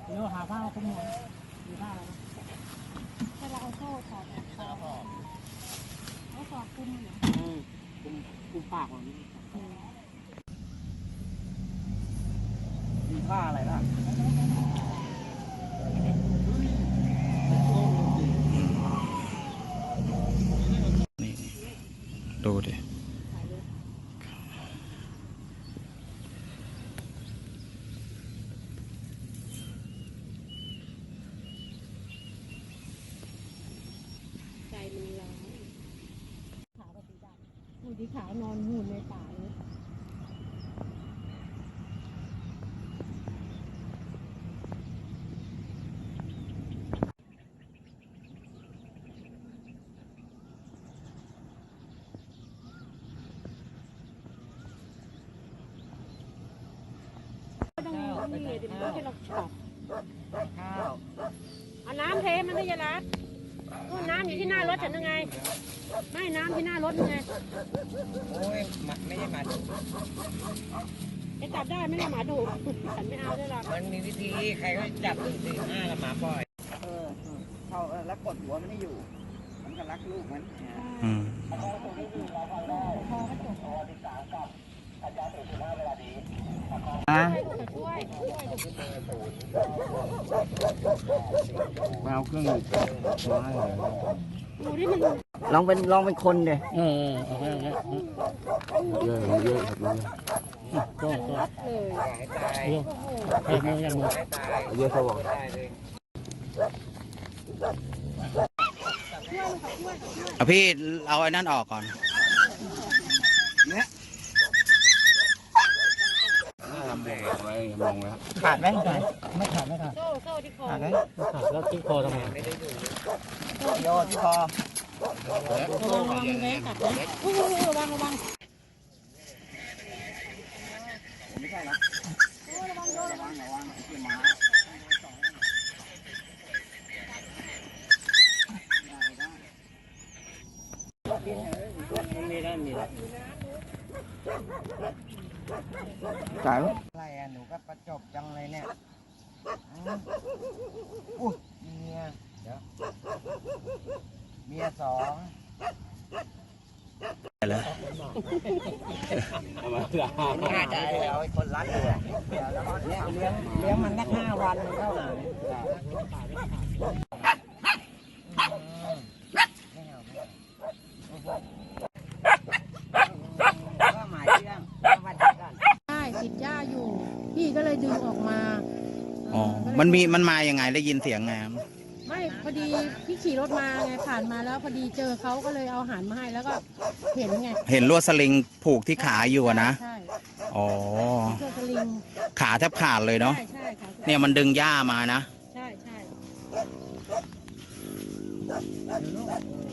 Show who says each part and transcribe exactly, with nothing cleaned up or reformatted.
Speaker 1: เดี๋ยวหาผ้าคุ้มหัวมีผ้าอะไรถ้าเราเอาโซ่ถอดคอเอาสอดคุ้มเหรออืมคุ้มคุ้มปากมันมีผ้าอะไรบ้าง
Speaker 2: นี่ดูดิ
Speaker 1: ใจมันร้อนขาวกับสีดำหูที่ขาวนอนหูในป่าเลยนี่เดี๋ยวมันจะลอกฉอบข้าวเอาน้ำเทมันได้ยังไงนู่นน้ำอยู่ที่หน้ารถฉันยังไงไม่น้ำที่หน้ารถยังไงโอ้ยไม่ใช่หมาดุจะจับได้ไม่ใช่หมาดุฉันไม่เอาด้วยหรอกมันมีวิธีใครก็จับหนึ่งสี่ห้าละหมาปล่อยเออเขาแล้วกดหัวมันไม่อยู่มันก็รักลูกมันอืม
Speaker 2: อ่ะ
Speaker 3: มาเอาเครื่องมาให้เลย
Speaker 2: ลองเป็นลองเป็นคนเดี๋ย
Speaker 3: เออเอาให้เอาให้เยอะเยอะครับเลยก็ก็เยอะให้มือให้มือเยอะสว่าง
Speaker 2: เอาพี่เอาไอ้นั่นออกก่อนเนี่ย
Speaker 3: ทำแดงไว้มองแล้ว
Speaker 2: ขาดไหมขาดไม่ขาดไม่ขาด
Speaker 1: โซ่โซ่ที่คอ
Speaker 2: ขาดไหม
Speaker 3: ขาดแล้วที่คอทำไมไม่ได้ดู
Speaker 2: โยนที่คอ
Speaker 1: ระวังระวังมันแรงกัดนะอู้ระวังระวัง
Speaker 2: ไม่ใช่นะระวังระวังระวังที่หมา
Speaker 3: มีได้มีได้
Speaker 2: จ่ายไหมอะไรอ่ะหนูก็ประจบจังเลยเนี่ยอู้เมียเดี๋ยวเมียสองแล้วน่าจะเอาไอ้คนรักเลยเดี๋ยวแล้วเนี่ยเลี้ยงเลี้ยงมันสักห้าวันมันเท่าไหร่ก็หมายเรื่องวันที่กัน
Speaker 1: ใช่ติดหญ้าอยู่พี่ก็เลยดึงออกมา
Speaker 2: อ๋อมันมีมันมายังไงได้ยินเสียงไง
Speaker 1: ไม่พอดีพี่ขี่รถมาไงผ่านมาแล้วพอดีเจอเขาก็เลยเอาอาหารมาให้แล้วก็เห็นไง
Speaker 2: เห็นลวดสลิงผูกที่ขาอยู่นะ
Speaker 1: ใช่
Speaker 2: อ๋อ
Speaker 1: ลวดสลิง
Speaker 2: ขาแทบขาดเลยเนาะ
Speaker 1: ใช่ใช่
Speaker 2: เนี่ยมันดึงหญ้ามานะ
Speaker 1: ใช่ใช่